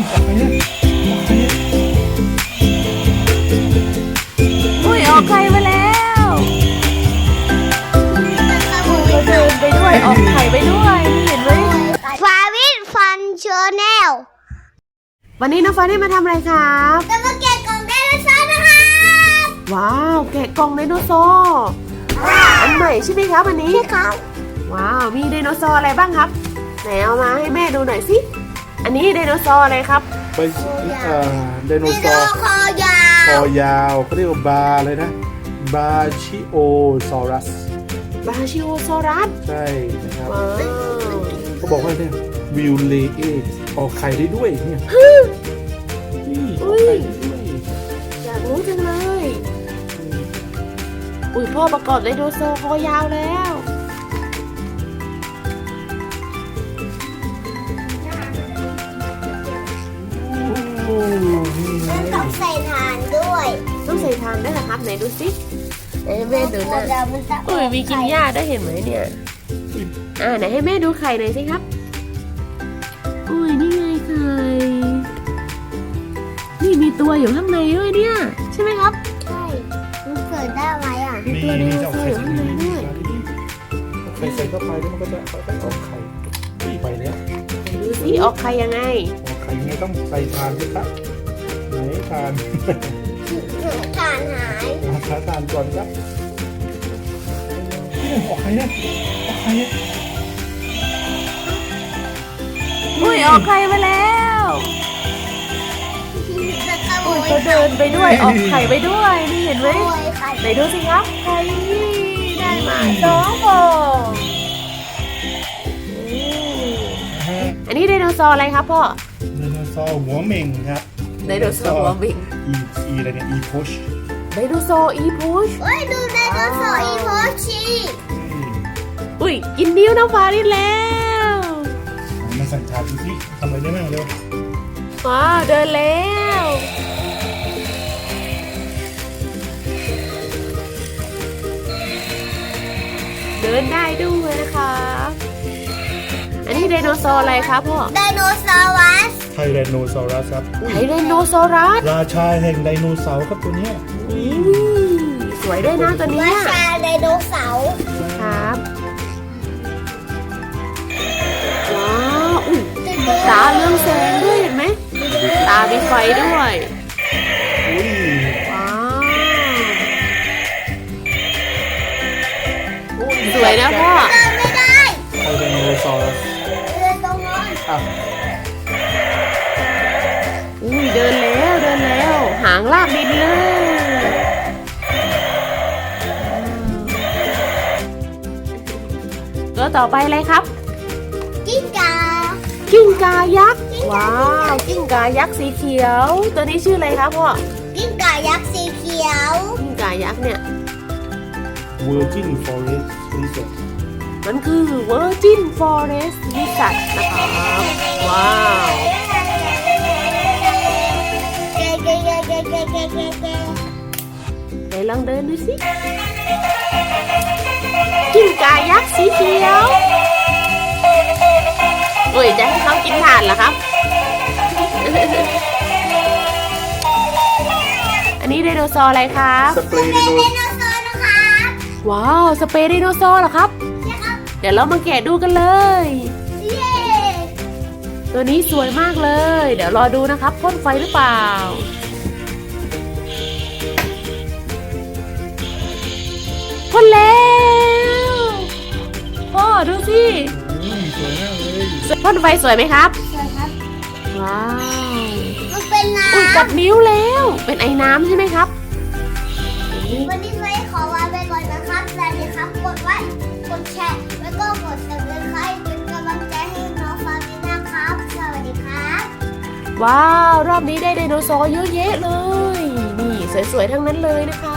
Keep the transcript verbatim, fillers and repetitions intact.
อุ้ยออกไข่มาแล้วเราเดินไปด้วยออกไข่ไปด้วยเห็นไหมฟาวิทฟันเชอร์แนลวันนี้น้องฟ้าได้มาทำอะไรครับจะมาแกะกล่องไดโนเสาร์นะครับว้าวแกะกล่องไดโนเสาร์อันใหม่ใช่ไหมครับอันนี้ใช่ครับว้าวมีไดโนเสาร์อะไรบ้างครับไหนเอามาให้แม่ดูหน่อยสิอันนี้ไดโนเสาร์อะไรครับไปเอ่อไดโนมีเสาตัวร์คอยาคว อยาวเขาเรียกว่าบาเลยนะบาชิโอซอรัสบาชิโอซอรัสใช่นะครับว้าวเขาบอกว่าเนี่ยวิวเลเอออกไข่ได้ด้วยเนี่ยนี่ออกไข่ได้ด้วยอยากรู้จังเลยอุ้ยพ่อประกอบไดโนเสาร์คอยาวแล้วโอ้นี่ไงมันต้องใส่ฐานด้วยต้องใส่ทานด้วยเหรอครับไหนดูสิไหนให้แม่ดูหน่อยเดี๋ยวมันจะอุ้ยมีกินหญ้าได้วยเห็นไหมเนี่ยอ่าไหนให้แม่ดูไข่หน่อยสิครับอุ้ยนี่ไงไข่นี่มีตัวอยู่ข้างในด้วยเนี่ยใช่ไหมครับใช่มันเกิดได้ไหมอ่ะมีตัวไดโนเสาร์อยู่ข้างในด้วยเอาไข่ใส่เข้าไปแล้วมันก็จะค่อยๆออกไข่นี่ไปแล้วดูสิออกไข่ยังไงออกไข่ยังไงต้องใส่ทานด้วยครับไหนทานฐานหายหาทานก่อนครับนี่ออกไข่เนี่ยออกไข่เนี่ยอุ้ยออกไข่มาแล้วจะขโมอุ้ยยเขาเดินไปด้วยออกไข่ไปด้วยนี่เห็นไหมขโมยไข่ไหนดูสิครับไข่ได้มาสองฟองอืมอันนี้ไดโนเสาร์อะไรครับพ่อไดโนเสาร์หัวเหม่งครับไดโนเสาร์หัวเหม่งอีอีอะไรเนี่ยอีพุชไดโนเสาร์อีพุชเฮ้ยดูไดโนเสาร์อีโมชิอุ้ยกินนิ้วน้ำฟ้าได้แล้วมาสั่งชาดูสิทำอะไรได้บ้างเร็วว้าวเดินแล้ว เดินได้ด้วยนะคะ อันนี้ไดโนเสาร์อะไรครับพ่อไดโนเสาร์วัสไทแรนโนซอรัสครับอุ้ยไทไดโนเสารัสราชาแห่งไดโนเสาร์ครับตัวเนี้ยอุ้ยสวยด้วยนะตัวเนี้ราย ชาไดโนเสาร์ครับ ว้าวอุ้ยตาเรืองแสงด้วยเห็นไหม ตามีไฟด้วยอุ้ยว้าว สวยนะพ่อเดินไม่ได้ไทแรนโนซอรัสเดินตรงนั้นอ่ะอุ้ยเดินแล้วเดินแล้ว หางลากดินเลยตัวต่อไปอะไรครับกิ้งกากิ้งกายักษ์ ว้าว กิ้งกายักษ์สีเขียว ตัวนี้ชื่ออะไรครับพ่อกิ้งกายักษ์สีเขียวกิ้งกายักษ์เนี่ยเวอร์จินฟอเรสต์รีสอร์ทมันคือ Virgin Forest Lizard นะครับว้าวเก๋เก๋เก๋เก๋เก๋เก๋เก๋เก๋ไหนลองเดินดูสิ กิ้งกายักษ์สีเขียวโอ้ยจะให้เขากินถ่านเหรอครับ อันนี้ไดโนเสาร์อะไรครับสเปรย์ไดโนไดโนเสาร์นะครับว้าว สเปรย์ไดโนเสาร์เหรอครับใช่ครับเดี๋ยวเรามาแกะดูกันเลยเย้ตัวนี้สวยมากเลย เดี๋ยวรอดูนะครับพ่นไฟหรือเปล่าพ่นแล้วพ่อดูสิอืมสวยมากเลยพ่นไฟสวยไหมครับสวยครับว้าวมันเป็นน้อุ้ยกัดนิ้วแล้ว เป็นไอ้น้ำใช่ไหมครับำวันนี้ไว้ขอลาไปก่อนนะครับสวัสดีครับ กดไลค์กดแชร์แล้วก็กดติดตามเป็นกำลังใจให้น้องฟาวินะครับ สวัสดีครับว้าว รอบนี้ได้ไดโนเสาร์เยอะแยะเลย นี่สวยๆทั้งนั้นเลยนะคะ